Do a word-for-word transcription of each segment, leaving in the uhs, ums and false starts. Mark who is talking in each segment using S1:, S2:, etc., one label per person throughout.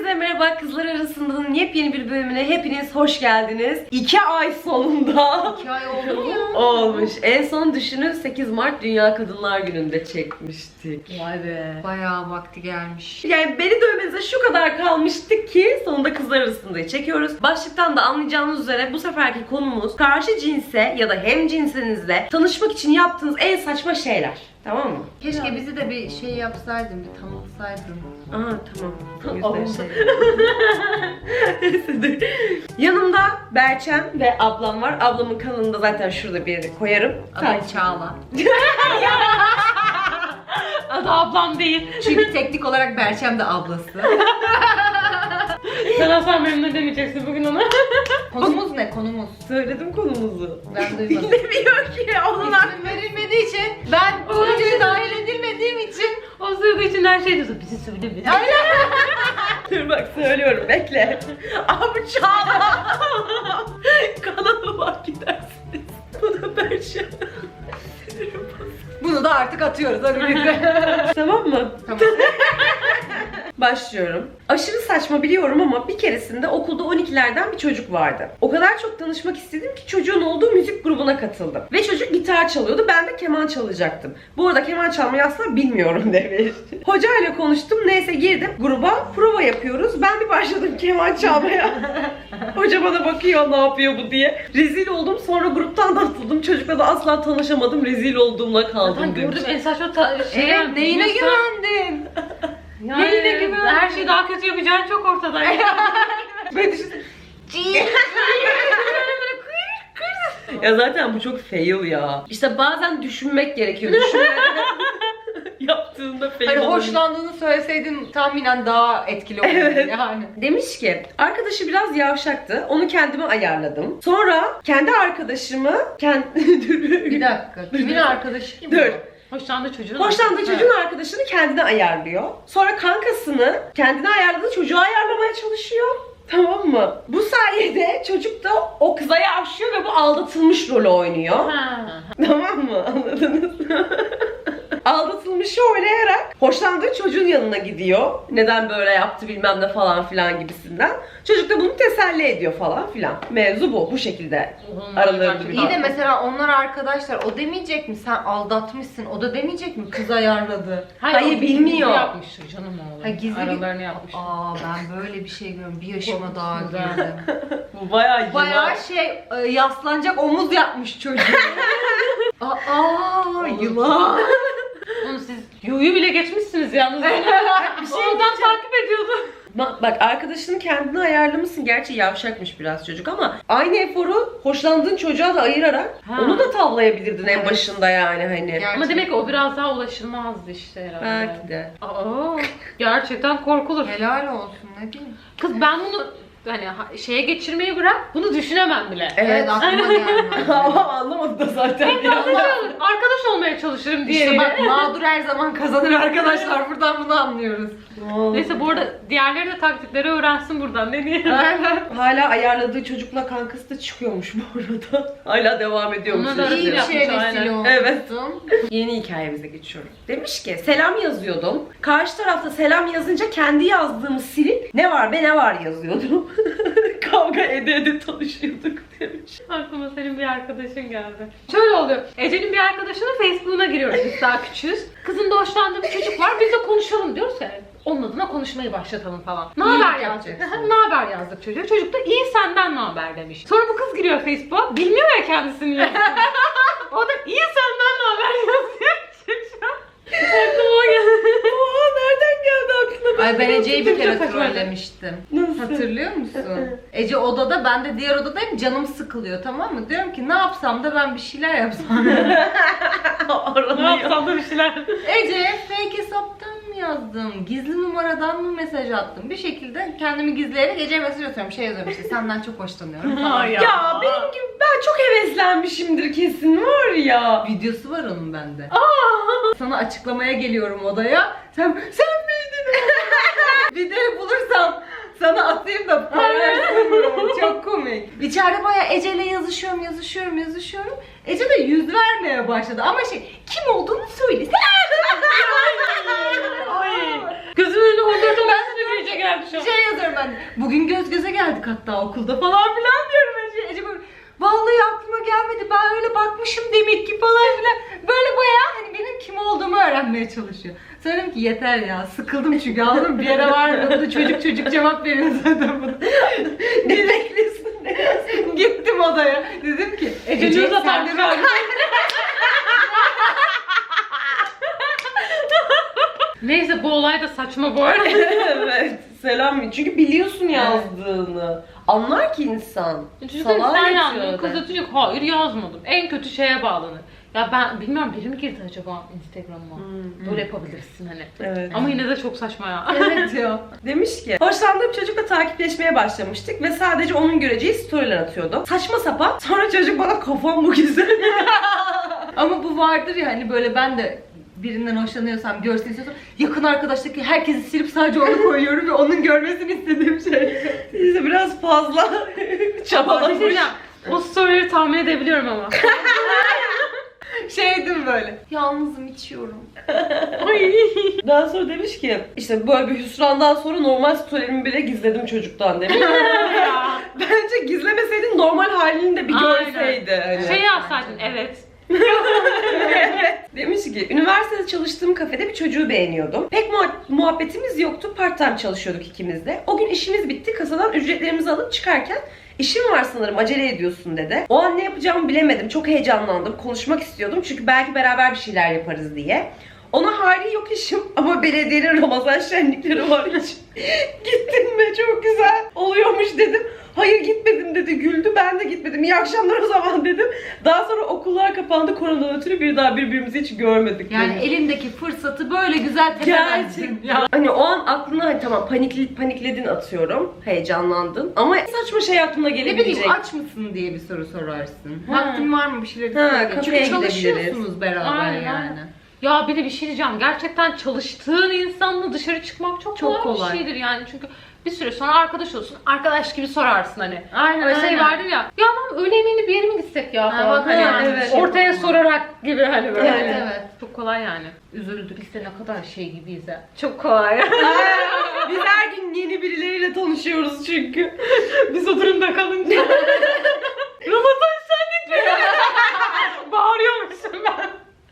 S1: Herkese merhaba, Kızlar Arasında'nın yepyeni bir bölümüne hepiniz hoş geldiniz. İki ay sonunda.
S2: İki ay oldu mu ya?
S1: Olmuş. En son düşünün sekiz Mart Dünya Kadınlar Günü'nde çekmiştik.
S2: Vay be. Bayağı vakti gelmiş.
S1: Yani beni dövmenize şu kadar kalmıştı ki sonunda Kızlar Arasında'yı çekiyoruz. Başlıktan da anlayacağınız üzere bu seferki konumuz karşı cinse ya da hem cinsinizle tanışmak için yaptığınız en saçma şeyler. Tamam mı?
S2: Keşke bizi de bir şey yapsaydın, bir tanıtsaydın.
S1: Aa tamam.
S2: Oldu.
S1: Neyse dur. Yanımda Berçem ve ablam var. Ablamın kanalını da zaten şurada bir yere koyarım.
S2: Adı Çağla.
S3: Adı ablam değil.
S2: Çünkü teknik olarak Berçem de ablası.
S3: Sen asla memnun demeyeceksin bugün ona.
S2: Konumuz ne? Konumuz.
S1: Söyledim konumuzu.
S2: Ben duymadım.
S1: Dinlemiyor ki. Onlar
S2: İsmim verilmediği için, ben bu videoya dahil edilmediğim için
S3: O sırada için her şey diyorsun. Bizi söyleme.
S1: dur bak söylüyorum bekle. Abi Çağla. Kanalıma gidersiniz. Bu da Berçem.
S2: bunu da artık atıyoruz hadi bize.
S1: Tamam mı?
S2: Tamam.
S1: Başlıyorum. Aşırı saçma biliyorum ama bir keresinde okulda on ikilerden bir çocuk vardı. O kadar çok tanışmak istedim ki çocuğun olduğu müzik grubuna katıldım. Ve çocuk gitar çalıyordu, ben de keman çalacaktım. Bu arada keman çalmayı asla bilmiyorum demiş. Hocayla konuştum, neyse girdim gruba, prova yapıyoruz. Ben bir başladım keman çalmaya. Hoca bana bakıyor ne yapıyor bu diye. Rezil oldum, sonra gruptan da atıldım. Çocukla da asla tanışamadım, rezil olduğumla kaldım
S3: Zaten
S1: demiş.
S3: gördüm en saçma ta- şey.
S2: Evet, neyine güvendin?
S3: Yani,
S2: Neyine güvendin?
S3: her şeyi daha kötü yapacağın çok ortada.
S2: Böyle düşün.
S1: Ya zaten bu çok fail ya. İşte bazen düşünmek gerekiyor. Düşünmeden yaptığında fail
S2: Hani
S1: olabilir.
S2: hoşlandığını söyleseydin tahminen daha etkili olurdu
S1: Evet.
S2: yani.
S1: Demiş ki arkadaşı biraz yavşaktı. Onu kendime ayarladım. Sonra kendi arkadaşımı kendi
S2: Bir dakika. Kimin arkadaşı kim?
S1: Dur.
S3: Hoşlandığı çocuğun.
S1: Hoşlandığı çocuğun arkadaşını kendine ayarlıyor. Sonra kankasını kendine ayarladığı çocuğa ayarlamaya çalışıyor. Tamam mı? Bu sayede çocuk da o kıza yavşıyor ve bu aldatılmış rolü oynuyor.
S3: Ha.
S1: Tamam mı? Anladınız mı? Aldatılmışı oynayarak hoşlandığı çocuğun yanına gidiyor. Neden böyle yaptı bilmem ne falan filan gibisinden. Çocuk da bunu teselli ediyor falan filan. Mevzu bu. Bu şekilde aralarında bir
S2: İyi de mesela onlar arkadaşlar, o demeyecek mi sen aldatmışsın, o da demeyecek mi kız ayarladı?
S1: Hayır,
S3: o
S1: bilmiyor.
S3: gizli yapmıştır canım oğlum.
S2: Ha, gizli-
S3: Aralarını yapmış.
S2: Aa ben böyle bir şey görüyorum, bir yaşıma daha
S3: Güzel.
S2: girdim.
S1: Bu bayağı yılan.
S2: Bayağı şey e, yaslanacak omuz yapmış çocuk. Aa yılan.
S3: Oğlum siz yuyu bile geçmişsiniz yalnız. bir şey oradan takip ediyordu.
S1: Bak, bak arkadaşını kendine ayarlamışsın. Gerçi yavşakmış biraz çocuk ama aynı eforu hoşlandığın çocuğa da ayırarak
S3: Ha.
S1: onu da tavlayabilirdin en
S2: Evet.
S1: başında yani hani.
S2: Gerçekten.
S3: Ama demek ki o biraz daha ulaşılmazdı işte herhalde.
S1: Belki de.
S3: Aa, gerçekten korkulur.
S2: Helal olsun, ne diyeyim.
S3: Kız ben bunu hani ha- şeye geçirmeyi bırak, bunu düşünemem bile.
S1: Evet.
S2: Evet aklıma gelmez.
S1: Ama anlamadı da zaten.
S3: Arkadaş olmaya çalışırım diye.
S2: İşte bak mağdur her zaman kazanır arkadaşlar, buradan bunu anlıyoruz.
S3: Neyse bu arada diğerleri de taktikleri öğrensin buradan. Ne diyeyim?
S1: Hala ayarladığı çocukla kankası da çıkıyormuş bu arada. Hala devam ediyormuş.
S3: Onlar da
S2: İyi bir
S3: yapmış,
S2: şeye vesile
S3: aynen.
S2: olmuşsun.
S1: Evet. Yeni hikayemize geçiyorum. Demiş ki selam yazıyordum. Karşı tarafta selam yazınca kendi yazdığımı silip ne var be ne var yazıyordum. Kavga ede ede tanışıyorduk demiş.
S3: Aklıma senin bir arkadaşın geldi. Şöyle oluyor. Ece'nin bir arkadaşının Facebook'una giriyoruz, biz daha küçüğüz. Kızın da hoşlandığı bir çocuk var, biz de konuşalım diyoruz ya. Onun adına konuşmayı başlatalım falan. Ne
S2: İyi
S3: haber
S2: yapacaksın.
S3: yazdık? Ne haber yazdık çocuğa. Çocuk da iyi senden ne haber demiş. Sonra bu kız giriyor Facebook'a. Bilmiyor ya kendisini yazdığını. O da iyi senden ne haber yazıyor çocuğa. Aklıma geldi.
S1: Oha nereden geldi aklına?
S2: Ay ben Ece'yi bir kere
S3: Çok saçma.
S2: trollemiştim.
S1: Nasıl?
S2: Hatırlıyor musun? Ece odada, ben de diğer odadayım, canım sıkılıyor, tamam mı? Diyorum ki ne yapsam da ben bir şeyler yapsam.
S3: Ne
S1: Aranıyor.
S3: yapsam da bir şeyler.
S2: Ece'ye fake hesaptan mı yazdım? Gizli numaradan mı mesaj attım? Bir şekilde kendimi gizleyerek Ece'ye mesaj atıyorum. Şey yazıyorum işte, senden çok hoşlanıyorum falan.
S3: Ay ya.
S1: Ya benim gibi ben çok heveslenmişimdir kesin var ya.
S2: Videosu var onun bende. Sana açıklamaya geliyorum odaya. Sen sen miydin? Videoyu bulursam sana atayım da paylaşırım. Çok komik. İçeride bayağı Ece'yle yazışıyorum, yazışıyorum, yazışıyorum. Ece de yüz vermeye başladı ama şey, kim olduğunu söylesene.
S3: Ay. Gözümün önüne on dört on beş sene önce gelmiş şu an.
S2: Şey yazıyorum ben. Bugün göz göze geldik hatta okulda falan filan diyorum. Ece, Ece böyle vallahi aklıma gelmedi. Ben öyle bakmışım demek ki falan filan. Böyle bayağı hani benim kim olduğumu öğrenmeye çalışıyor. Söyledim ki yeter ya. Sıkıldım çünkü aldım bir yere var mı? Bu da çocuk çocuk cevap veriyor zaten bana.
S1: Ne bekliyorsun?
S2: Gittim odaya. Dedim ki
S3: Ece
S2: Ece
S3: Nur'la
S2: sen de
S3: tartışıyor. Neyse bu olay da saçma bu arada.
S1: Evet. Selam. Çünkü biliyorsun yazdığını. Anlar ki insan.
S3: Çocuk
S1: Salağa
S3: sen
S1: yatıyor
S3: yazdın.
S1: orada.
S3: Kız da çocuk hayır yazmadım. En kötü şeye bağlanır. Ya ben bilmiyorum biri mi girdi acaba Instagram'a?
S1: Hmm.
S3: Böyle yapabilirsin hani.
S1: Evet.
S3: Ama yine de çok saçma ya.
S2: Evet ya.
S1: Demiş ki hoşlandığım çocukla takipleşmeye başlamıştık ve sadece onun göreceği storyler atıyordum. Saçma sapan. Sonra çocuk bana kafam bu güzel.
S2: Ama bu vardır ya hani böyle ben de birinden hoşlanıyorsam, görsün istiyorsam yakın arkadaştaki herkesi silip sadece onu koyuyorum ve onun görmesini istediğim şey.
S1: İşte biraz fazla
S3: Bir şey
S1: çabalamış.
S3: diyeceğim. O storyleri tahmin edebiliyorum ama.
S2: Şeydim böyle. Yalnızım içiyorum.
S3: Ay.
S1: Daha sonra demiş ki işte böyle bir hüsrandan sonra normal storylerimi bile gizledim çocuktan demiş.
S3: Ya.
S1: Bence gizlemeseydin normal halini de bir
S3: Aynen.
S1: görseydi. Hani.
S3: Şey yazsaydın evet.
S1: Evet. Demiş ki üniversitede çalıştığım kafede bir çocuğu beğeniyordum. Pek muha- muhabbetimiz yoktu. Part time çalışıyorduk ikimiz de. O gün işimiz bitti. Kasadan ücretlerimizi alıp çıkarken işim var sanırım acele ediyorsun dedi. O an ne yapacağımı bilemedim. Çok heyecanlandım. Konuşmak istiyordum. Çünkü belki beraber bir şeyler yaparız diye. Ona hali yok işim ama belediyenin Ramazan şenlikleri var hiç. Gittin mi? Çok güzel oluyormuş dedim. Hayır gitmedim dedi, güldü. Ben de gitmedim. İyi akşamlar o zaman dedim. Daha sonra okullar kapandı koronadan ötürü bir daha birbirimizi hiç görmedik.
S2: Yani
S1: demiş.
S2: elindeki fırsatı böyle güzel tepemezsin.
S1: Gerçekten. Hani o an aklına hani tamam panikli, panikledin atıyorum. Heyecanlandın. Ama saçma şey aklına
S2: Ne
S1: gelebilecek.
S2: bileyim aç mısın diye bir soru sorarsın.
S1: Ha.
S2: Vaktin var mı bir şeyler
S1: Ha,
S2: isteyecek?
S1: kafeye
S2: Çünkü
S1: gidebiliriz.
S2: çalışıyorsunuz beraber
S3: Aynen.
S2: yani.
S3: Ya bir de bir şey diyeceğim. Gerçekten çalıştığın insanla dışarı çıkmak çok,
S2: Çok
S3: kolay,
S2: kolay.
S3: bir şeydir yani. Çünkü bir süre sonra arkadaş olsun. Arkadaş gibi sorarsın hani.
S2: Aynen
S3: Öyle şey
S2: aynen.
S3: vardır ya. Ya lan öğle yemeğini bir yere mi gitsek ya
S2: Ha,
S3: falan.
S2: bak,
S3: Hani
S2: ha,
S1: evet.
S3: ortaya sorarak gibi hani böyle.
S2: Evet, evet.
S3: Çok kolay yani. Üzüldük. Biz de ne kadar şey gibiyiz ya. Çok kolay.
S1: Aa, biz her gün yeni birileriyle tanışıyoruz çünkü.
S3: Biz o durumda kalınca. Ramazan şenlikleri. Bağırıyormuşum ben.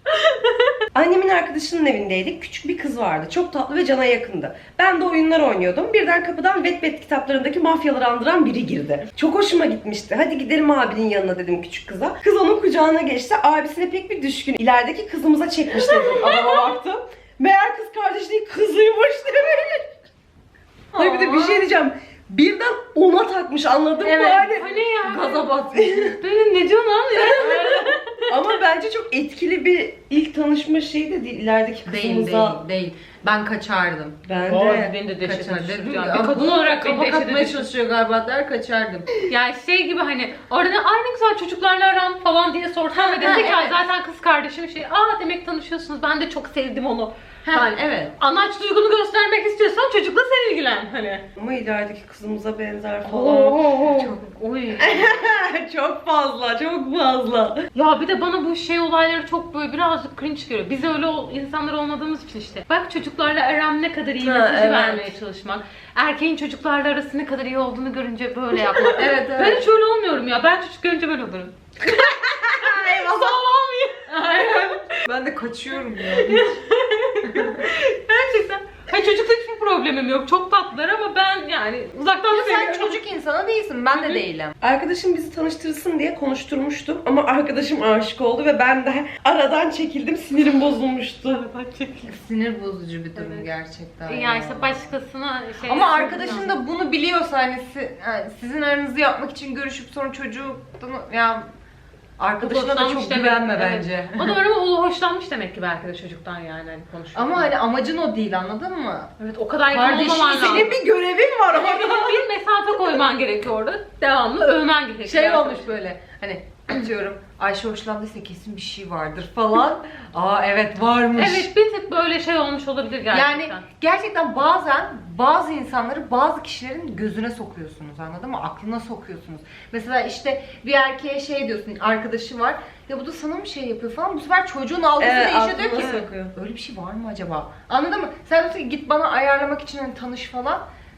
S1: Annemin arkadaşının evindeydik. Küçük bir kız vardı. Çok tatlı ve cana yakındı. Ben de oyunlar oynuyordum. Birden kapıdan Wattpad kitaplarındaki mafyaları andıran biri girdi. Çok hoşuma gitmişti. Hadi gidelim abinin yanına dedim küçük kıza. Kız onun kucağına geçti. Abisine pek bir düşkün. İlerideki kızımıza çekmiş dedim. Adama baktım. Meğer kız kardeş değil kızıymış demiş. Hayır bir de bir şey diyeceğim. Birden ona takmış anladın
S2: Evet.
S1: mı? Hani
S3: O ne ya?
S2: Gaza batmış.
S3: Benim ne diyorsun lan ya?
S1: ama bence çok etkili bir ilk tanışma şeyi de değil. İlerideki
S2: Değil
S1: kızımıza.
S2: değil değil. Ben kaçardım.
S1: Ben
S3: Doğru,
S1: de.
S3: beni de dehşete
S2: Kaçardım.
S3: düşürdü.
S2: Dedim
S3: Yani.
S2: ya,
S3: Bir kadın olarak beni
S2: kafa
S3: dehşete
S2: katmaya
S3: düşürdü.
S2: çalışıyor galiba der kaçardım.
S3: Yani şey gibi hani orada ay ne güzel çocuklarla aram falan diye sorsan ve
S2: Ha,
S3: desek
S2: ha,
S3: ya zaten kız kardeşim şey aa demek tanışıyorsunuz ben de çok sevdim onu.
S2: Ha,
S3: Yani
S2: evet.
S3: anaç duygunu göstermek istiyorsan çocukla sen ilgilen hani.
S1: Ama ilerideki kızımıza benzer falan.
S3: Oo,
S2: Çok.
S3: Oy.
S1: çok fazla, çok fazla.
S3: Ya bir de bana bu şey olayları çok böyle birazcık cringe geliyor. Biz öyle ol- insanlar olmadığımız için işte. Bak çocuklarla aram ne kadar iyi
S1: Ha,
S3: mesajı
S1: evet.
S3: vermeye çalışmak. Erkeğin çocuklarla arası ne kadar iyi olduğunu görünce böyle yapmak.
S2: Evet evet.
S3: Ben hiç öyle olmuyorum ya. Ben çocuk görünce böyle olurum. Sağlam
S2: Aynen. Ben de kaçıyorum ya.
S3: Gerçekten. Hani çocukla hiçbir problemim yok. Çok tatlılar ama ben yani uzaktan
S2: Ama sen
S3: seviyorum.
S2: çocuk insanı değilsin. Ben de değilim.
S1: Arkadaşım bizi tanıştırsın diye konuşturmuştum ama arkadaşım aşık oldu ve ben de aradan çekildim, sinirim bozulmuştu.
S2: Sinir bozucu bir durum
S3: Evet.
S2: gerçekten.
S3: Yani
S2: ya.
S3: işte başkasına şey...
S2: Ama arkadaşın da bunu biliyorsa hani si- yani sizin aranızı yapmak için görüşüp sonra çocuğu ya arkadaşına da
S3: Hoşlanmış
S2: çok
S3: demek,
S2: güvenme
S3: evet.
S2: bence.
S3: O da öyle ama o hoşlanmış demek ki belki de çocuktan yani hani konuşuyor.
S2: Ama hani amacın o değil anladın mı?
S3: evet o kadar yakın
S2: Kardeşim,
S3: olmaman lazım.
S1: Senin bir görevin var ama.
S3: bir mesafe koyman gerekiyor orada. Devamlı övmen gerekiyor.
S2: Şey olmuş böyle hani atıyorum Ayşe hoşlandıysa kesin bir şey vardır falan. Aa evet varmış.
S3: Evet bir tık böyle şey olmuş olabilir gerçekten.
S2: Yani gerçekten bazen bazı insanları bazı kişilerin gözüne sokuyorsunuz anladın mı? Aklına sokuyorsunuz. Mesela işte bir erkeğe şey diyorsun arkadaşı var ya bu da sana mı şey yapıyor falan bu sefer çocuğun algısı
S1: Evet,
S2: değişiyor diyor
S1: aklına
S2: ki
S1: sokuyor.
S2: öyle bir şey var mı acaba? Anladın mı? Sen diyorsun ki git bana ayarlamak için hani tanış falan.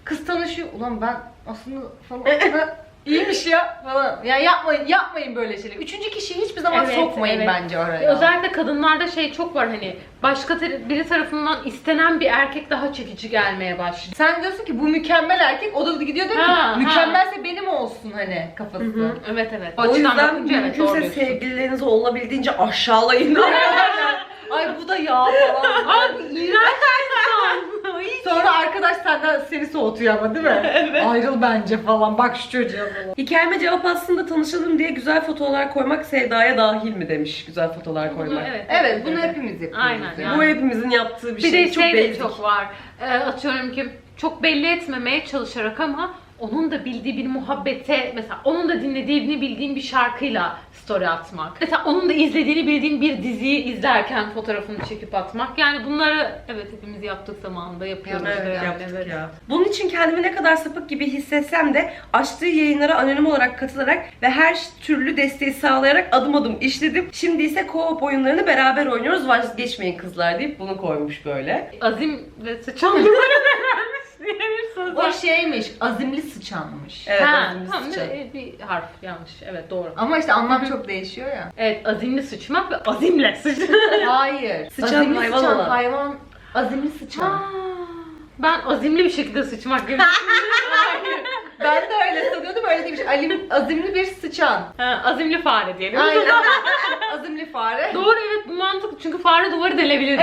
S2: Kız tanışıyor. Ulan ben aslında falan da iyiymiş ya falan. Ya yapmayın yapmayın böyle şeyler. Üçüncü kişiyi hiçbir zaman
S3: Evet,
S2: sokmayın
S3: evet.
S2: bence oraya.
S3: Özellikle kadınlarda şey çok var hani başka tar- biri tarafından istenen bir erkek daha çekici gelmeye başlıyor.
S2: Sen diyorsun ki bu mükemmel erkek, o da gidiyor diyor ki
S3: Ha, ha.
S2: mükemmelse benim olsun hani kafası.
S1: Hı hı.
S3: Evet evet.
S1: O
S3: açıdan
S1: yüzden
S3: bakınca evet, doğru
S1: mümkünse
S3: diyorsun.
S1: sevgililerinizi olabildiğince aşağılayın.
S2: Ay bu da yağ falan.
S3: Abi iğrenç insan.
S2: Sonra arkadaş senden seni soğutuyor ama değil mi?
S1: Evet.
S2: Ayrıl bence falan. Bak şu çocuğa falan.
S1: Hikayeme cevap aslında tanışalım diye güzel fotoğraflar koymak sevdaya dahil mi demiş güzel fotoğraflar koymak.
S3: Evet,
S2: Evet bunu hepimiz yapıyoruz.
S3: Aynen
S2: yani.
S3: yani.
S1: Bu hepimizin yaptığı bir,
S3: Bir
S1: şey.
S3: de
S1: Çok
S3: şey de
S1: basic.
S3: çok var. Ee, atıyorum ki çok belli etmemeye çalışarak ama onun da bildiği bir muhabbete, mesela onun da dinlediğini bildiğin bir şarkıyla story atmak. Mesela onun da izlediğini bildiğin bir diziyi izlerken fotoğrafını çekip atmak. Yani bunları evet hepimiz yaptık zamanında yapıyoruz.
S1: Evet,
S3: da yani,
S1: yaptık
S3: evet.
S1: ya. Bunun için kendimi ne kadar sapık gibi hissetsem de açtığı yayınlara anonim olarak katılarak ve her türlü desteği sağlayarak adım adım işledim. Şimdi ise co-op oyunlarını beraber oynuyoruz. Vazgeçmeyin kızlar deyip bunu koymuş böyle.
S3: Azim ve sıçan diye bir söz var.
S2: O şeymiş, azimli sıçanmış.
S1: Evet,
S3: Ha,
S1: azimli
S3: tamam,
S1: sıçan.
S3: bir, bir harf yanlış. Evet doğru.
S2: Ama işte anlam çok değişiyor ya.
S3: Evet azimli sıçmak ve azimle sıçmak.
S2: Hayır.
S1: Sıçan
S2: azimli
S1: hayvan
S2: sıçan,
S1: olan.
S2: hayvan, azimli sıçan.
S3: Aa, ben azimli bir şekilde sıçmak gibi.
S2: Hayır. Ben de öyle sanıyordum, öyle değilmiş. Alim, azimli bir sıçan.
S3: Ha, azimli fare diyelim.
S2: Aynen. Azimli fare.
S3: Doğru evet bu mantıklı çünkü fare duvarı delebilir.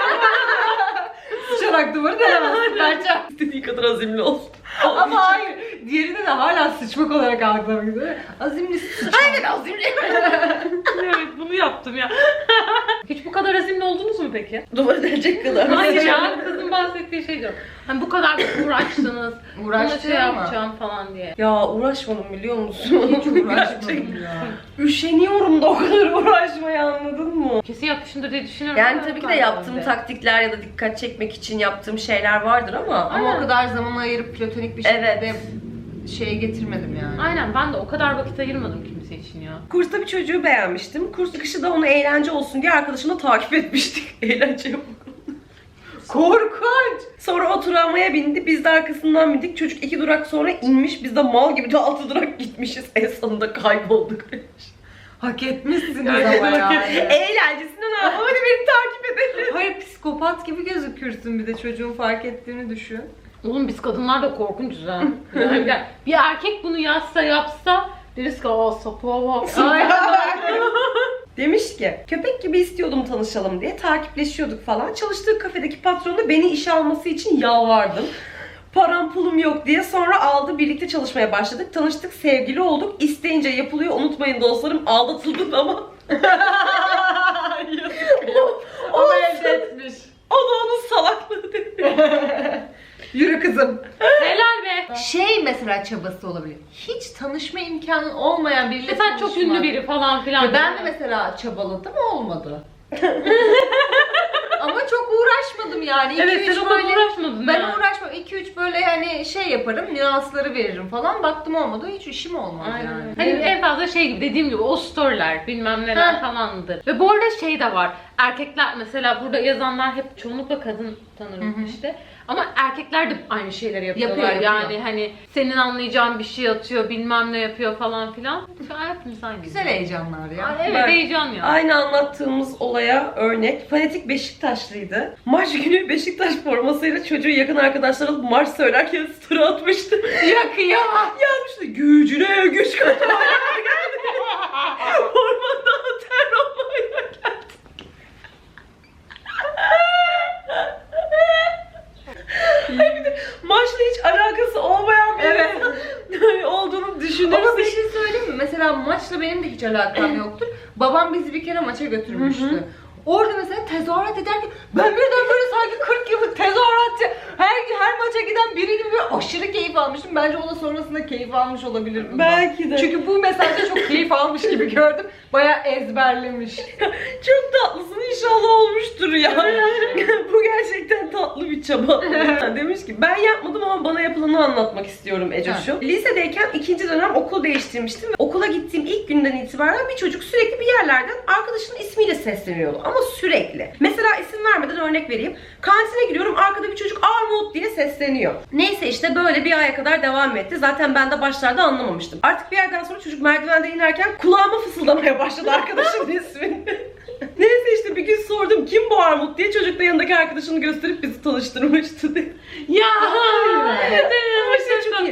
S2: Sıçarak duvarı denemezsin bence.
S1: İstediği kadar azimli olsun.
S2: Ama hayır. Diğerinde de hala sıçmak olarak algılamak üzere. Azimli sıçan.
S1: Aynen azimli.
S3: Evet bunu yaptım ya. Hiç bu kadar azimli oldunuz mu peki?
S1: Duvarı delecek kadar.
S3: Hayır ya kızın bahsettiği şey diyorum. Hani bu kadar uğraştınız. Buna şey
S2: Uğraştın ama.
S3: yapacağım falan diye.
S1: Ya uğraşmadım biliyor musun?
S2: Hiç uğraşmadım ya.
S1: Üşeniyorum da o kadar uğraşmaya, anladın mı?
S3: Kesin yapmışımdır diye düşünüyorum.
S1: Yani
S3: ama
S1: tabii ki de
S3: ben
S1: yaptığım
S3: öyle.
S1: taktikler ya da dikkat çekmek için yaptığım şeyler vardır ama
S2: Ama o kadar zaman ayırıp platonik bir şekilde
S1: Evet.
S2: şeye getirmedim yani.
S3: Aynen ben de o kadar vakit ayırmadım kimse için ya.
S1: kursta bir çocuğu beğenmiştim. Kurs çıkışı da onu eğlence olsun diye arkadaşımla takip etmiştik. Eğlence yapalım.
S2: Korkunç.
S1: Sonra o tramvaya bindi. Biz de arkasından bindik. Çocuk iki durak sonra inmiş. Biz de mal gibi de altı durak gitmişiz. En sonunda kaybolduk demiş.
S2: Hak etmişsiniz
S3: Gerçekten
S2: ama
S3: hak
S2: yani.
S1: Eğlencesine ne yapalım? Hadi beni takip edelim.
S2: Hayır, psikopat gibi gözükürsün, bir de çocuğun fark ettiğini düşün.
S3: Oğlum biz kadınlar da korkunçuz ha. Yani bir erkek bunu yazsa yapsa deriz ki aa sapığa bak.
S1: Demiş ki köpek gibi istiyordum tanışalım diye, takipleşiyorduk falan. Çalıştığı kafedeki patronu beni işe alması için yalvardım. Param pulum yok diye, sonra aldı, birlikte çalışmaya başladık. Tanıştık, sevgili olduk. İsteyince yapılıyor, unutmayın dostlarım, aldatıldım ama. o, o,
S2: O elde etmiş.
S1: o da onun salaklığı dedi.
S2: Yürü kızım.
S3: Helal be.
S2: Şey mesela çabası olabilir. Hiç tanışma imkanın olmayan biriyle
S3: Mesela
S2: tanışmak.
S3: çok ünlü biri falan filan.
S2: Ya ben de mesela çabaladım, olmadı. Ama çok uğraşmadım yani. İki,
S3: Evet
S2: üç
S3: sen o kadar
S2: böyle-
S3: uğraşmadın
S2: Ben
S3: ya.
S2: uğraşmam. iki üç böyle hani şey yaparım, nüansları veririm falan. Baktım olmadı, hiç işim olmaz
S3: Aynen.
S2: yani.
S3: Hani en fazla şey gibi dediğim gibi o storyler bilmem neler
S2: Ha.
S3: falandır. Ve bu arada şey de var. Erkekler mesela burada yazanlar hep çoğunlukla kadın tanırım
S2: Hı hı.
S3: işte. Ama erkekler de aynı şeyleri yapıyorlar.
S2: Yapıyor, yapıyor.
S3: Yani hani senin anlayacağın bir şey atıyor, bilmem ne yapıyor falan filan. Şu an hepimiz aynı.
S2: Güzel heyecanlar ya.
S3: Ay, evet
S1: Ben-
S3: heyecan ya.
S1: Aynı anlattığımız olaya örnek. Fanatik Beşiktaşlıydı. Maç günü Beşiktaş formasıyla çocuğu yakın arkadaşlar alıp marş söylerken story atmıştı.
S3: Yakıyor.
S1: Yazmıştı. Gücüne güç katmaya geldi. Ormanda ter olmaya geldi. Ay bir de maçla hiç alakası olmayan bir
S2: Evet.
S1: insan olduğunu düşünürsek.
S2: Ama bir şey söyleyeyim mi? Mesela maçla benim de hiç alakam yoktur. Babam bizi bir kere maça götürmüştü.
S1: Hı hı.
S2: Orada mesela tezahürat ederken ben birden böyle sanki kırk yıllık tezahüratçı, her her maça giden biri gibi böyle aşırı keyif almıştım. Bence o da sonrasında keyif almış olabilir bundan.
S1: Belki de.
S2: Çünkü bu mesajda çok keyif almış gibi gördüm. Bayağı ezberlemiş.
S1: Çok tatlısın, inşallah olmuştur ya. Bu gerçekten tatlı bir çaba. Demiş ki ben yapmadım ama bana yapılanı anlatmak istiyorum Ecoş'um. Lisedeyken ikinci dönem okul değiştirmiştim ve okula gittiğim ilk günden itibaren bir çocuk sürekli bir yerlerden arkadaşının ismiyle sesleniyordu ama sürekli. Mesela isim vermeden örnek vereyim. Kantine giriyorum, arkada bir çocuk Armut diye sesleniyor. Neyse işte böyle bir aya kadar devam etti. Zaten ben de başlarda anlamamıştım. Artık bir yerden sonra çocuk merdivenden inerken kulağıma fısıldamaya başladı arkadaşının ismini. Neyse işte bir gün sordum kim bu Armut diye, çocuk da yanındaki arkadaşını gösterip bizi tanıştırmıştı diye.
S3: Ya.
S1: Evet. Ama şey çok iyi.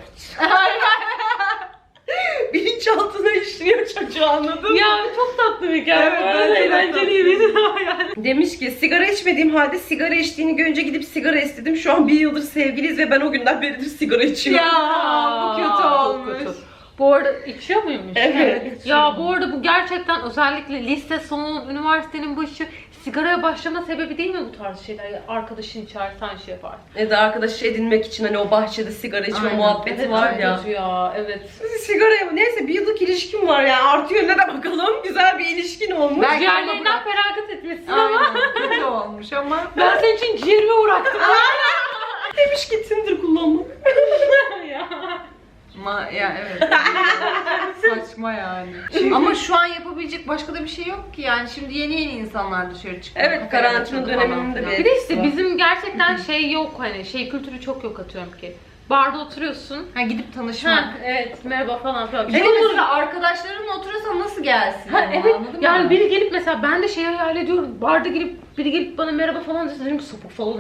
S1: Bilinçaltına işliyor çocuğu, anladın mı?
S3: Ya çok tatlı bir hikaye.
S1: Evet,
S3: Evet,
S1: evet,
S3: eğlenceliydi. Yani.
S1: Demiş ki sigara içmediğim halde sigara içtiğini görünce gidip sigara istedim. Şu an bir yıldır sevgiliyiz ve ben o günden beridir sigara içiyorum.
S2: Ya bu kötü
S3: Çok
S2: olmuş.
S3: kötü. Bu arada içiyor muymuş?
S1: Evet.
S3: Ya bu arada bu gerçekten özellikle lise sonu, üniversitenin başı sigaraya başlama sebebi değil mi bu tarz şeyler? Ya arkadaşın içer, sen şey yapar.
S1: Ya da arkadaş edinmek için hani o bahçede sigara içme
S2: Aynen.
S1: muhabbeti
S3: Evet,
S1: var
S3: çok
S1: ya.
S3: kötü ya. Evet.
S1: Sigaraya mı? Neyse bir yıllık ilişkim var yani, artı yönüne de bakalım. Güzel bir ilişkin olmuş.
S2: Belki
S3: Ciğerlerinden
S2: bırak.
S3: feragat etmişsin ama
S2: Aynen kötü olmuş ama.
S3: ben senin için ciğerimi uğraktım.
S1: Demiş ki Tinder kullanmak.
S3: Ya.
S2: Ma ya evet. Saçma yani. Ama şu an yapabilecek başka da bir şey yok ki yani. Şimdi yeni yeni insanlar dışarı çıkıyor.
S1: Evet,
S2: Kafeler
S1: karantina
S2: açıldı falan
S1: döneminde
S2: filan.
S1: bir-
S3: Bir de işte bizim gerçekten şey yok, hani şey kültürü çok yok, atıyorum ki. Barda oturuyorsun.
S2: Ha gidip tanışmak.
S3: Ha, evet, merhaba falan filan.
S2: Bir de mesela arkadaşlarınla oturuyorsan nasıl gelsin?
S3: Ha,
S2: ama,
S3: evet,
S2: anladın
S3: yani
S2: mı?
S3: biri gelip mesela ben de şey hayal ediyorum. Barda gelip biri gelip bana merhaba falan dese dedim ki sapık falan.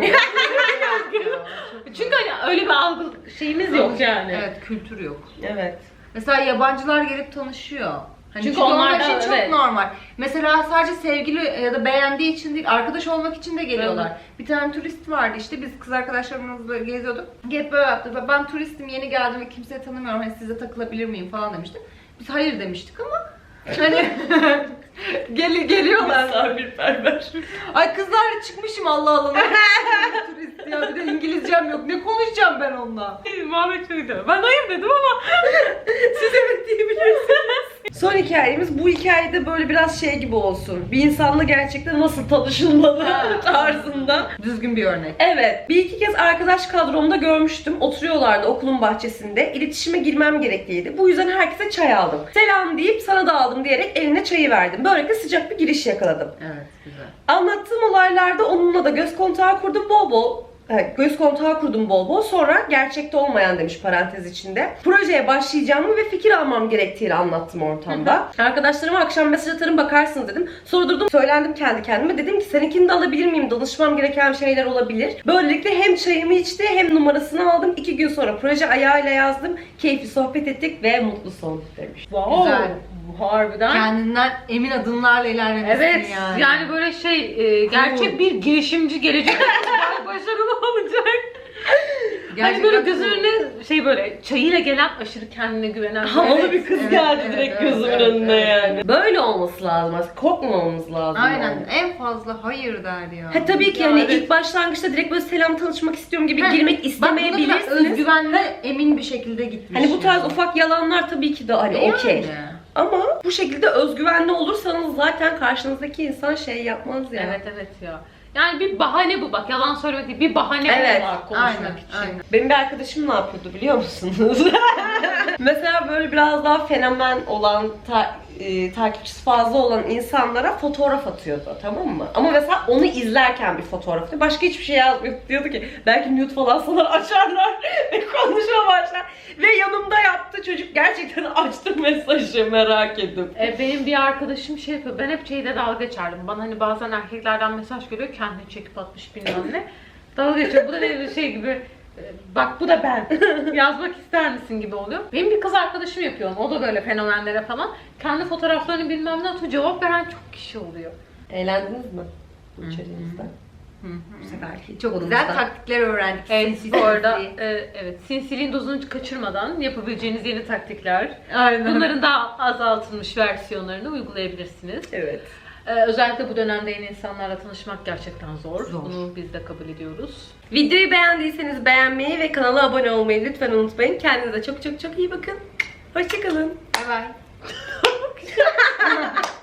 S3: Çünkü hani öyle bir algı şeyimiz yok yani.
S2: Evet, kültür yok.
S1: Evet.
S2: Mesela yabancılar gelip tanışıyor. Hani
S3: Çünkü
S2: çünkü, onlar
S3: onlar da-
S2: için çok
S3: evet.
S2: normal. Mesela sadece sevgili ya da beğendiği için değil, arkadaş olmak için de geliyorlar.
S3: Evet.
S2: Bir tane turist vardı işte, biz kız arkadaşlarımızla geziyorduk. Gelip böyle yaptı. Ben turistim, yeni geldim ve kimseyi tanımıyorum. Hani size takılabilir miyim falan demişti. Biz hayır demiştik ama hani gel geliyorlar.
S1: Misafirperver.
S2: Ay kızlarla çıkmışım Allah Allah. Turist ya, bir de İngilizcem yok. Ne konuşacağım ben onunla?
S3: Muhabbet şuydu. Ben hayır dedim ama.
S1: Siz evet diyebilirsiniz. Son hikayemiz, bu hikayede böyle biraz şey gibi olsun. Bir insanla gerçekten nasıl tanışılmalı tarzında.
S2: Düzgün bir örnek.
S1: Evet, bir iki kez arkadaş kadromda görmüştüm. Oturuyorlardı okulun bahçesinde. İletişime girmem gerekliydi. Bu yüzden herkese çay aldım. Selam deyip sana da aldım diyerek eline çayı verdim. Böylelikle sıcak bir giriş yakaladım.
S2: Evet, güzel.
S1: Anlattığım olaylarda onunla da göz kontağı kurdum bol bol. Evet, göz kontağı kurdum bol bol. Sonra gerçekte olmayan demiş parantez içinde. Projeye başlayacağımı ve fikir almam gerektiğini anlattım ortamda. Arkadaşlarıma akşam mesaj atarım bakarsınız dedim. Sonra durdum, söylendim kendi kendime. Dedim ki seninkini de alabilir miyim? Danışmam gereken şeyler olabilir. Böylelikle hem çayımı içti hem numarasını aldım. İki gün sonra proje ayağıyla yazdım. Keyifli sohbet ettik ve mutlu son demiş.
S3: Wow.
S2: Güzel.
S3: Harbiden.
S2: Kendinden emin adımlarla ilerlemişsin
S3: Evet,
S2: yani.
S3: yani. böyle şey, e, gerçek bir girişimci gelecek başarılı olacak.
S2: Gerçekten
S3: Hani böyle göz
S2: cool.
S3: önüne şey böyle çayıyla gelen aşırı kendine güvenen.
S1: Havalı
S2: Evet,
S1: bir kız
S2: evet,
S1: geldi
S2: evet,
S1: direkt
S2: evet,
S1: gözümün
S2: evet,
S1: önüne
S2: evet,
S1: yani.
S2: evet.
S1: Böyle olması lazım aslında. Korkmamamız lazım.
S2: Aynen.
S1: yani.
S2: En fazla hayır der ya.
S1: Ha tabii ki
S3: Ya
S1: hani
S3: evet.
S1: ilk başlangıçta direkt böyle selam tanışmak istiyorum gibi
S2: Ha,
S1: girmek
S2: Bak buna
S1: istemeyebilirsiniz.
S2: kadar özgüvenli, emin bir şekilde gitmiş.
S1: Hani bu tarz
S2: yani.
S1: ufak yalanlar tabii ki de hani
S2: Yani.
S1: okey. Ama bu şekilde özgüvenli olursanız zaten karşınızdaki insan şey yapmaz ya.
S3: Evet evet ya. Yani bir bahane bu, bak yalan söylemek değil, bir bahane
S1: Evet,
S3: var konuşmak
S2: aynen,
S3: için.
S2: aynen.
S1: Benim bir arkadaşım ne yapıyordu biliyor musunuz? Mesela böyle biraz daha fenomen olan, ta- e, takipçisi fazla olan insanlara fotoğraf atıyordu, tamam mı? Ama mesela onu izlerken bir fotoğraf atıyor. Başka hiçbir şey yazmıyor. Diyordu ki belki nude falan sana açarlar ve konuşma başlar. Ve yanımda yaptı çocuk, gerçekten açtı mesajı, merak edip.
S3: E, benim bir arkadaşım şey yapıyor, ben hep şeyde dalga geçerdim. Bana hani bazen erkeklerden mesaj geliyor, kendini çekip atmış bilmem ne. Dalga geçiyor, bu da ne bir şey gibi. e, Bak bu da ben. Yazmak ister misin gibi oluyor. Benim bir kız arkadaşım yapıyor onu. O da böyle fenomenlere falan. Kendi fotoğraflarını bilmem ne atıyor. Cevap veren çok kişi oluyor.
S1: Eğlendiniz mi bu içeriğinizden?
S2: Hı hı.
S1: Bu seferki
S2: Çok
S1: konumuzdan.
S2: güzel taktikler öğrendik.
S3: Evet,
S2: Sinsi
S3: bu arada
S2: sinsi.
S3: e, evet, sinsiliğin dozunu kaçırmadan yapabileceğiniz yeni taktikler.
S2: Aynen.
S3: Bunların daha azaltılmış versiyonlarını uygulayabilirsiniz.
S1: Evet.
S3: Ee, özellikle bu dönemde yeni insanlarla tanışmak gerçekten zor.
S2: Zor.
S3: Bunu biz de kabul ediyoruz.
S1: Videoyu beğendiyseniz beğenmeyi ve kanala abone olmayı lütfen unutmayın. Kendinize çok çok çok iyi bakın. Hoşçakalın.
S3: Bay bay.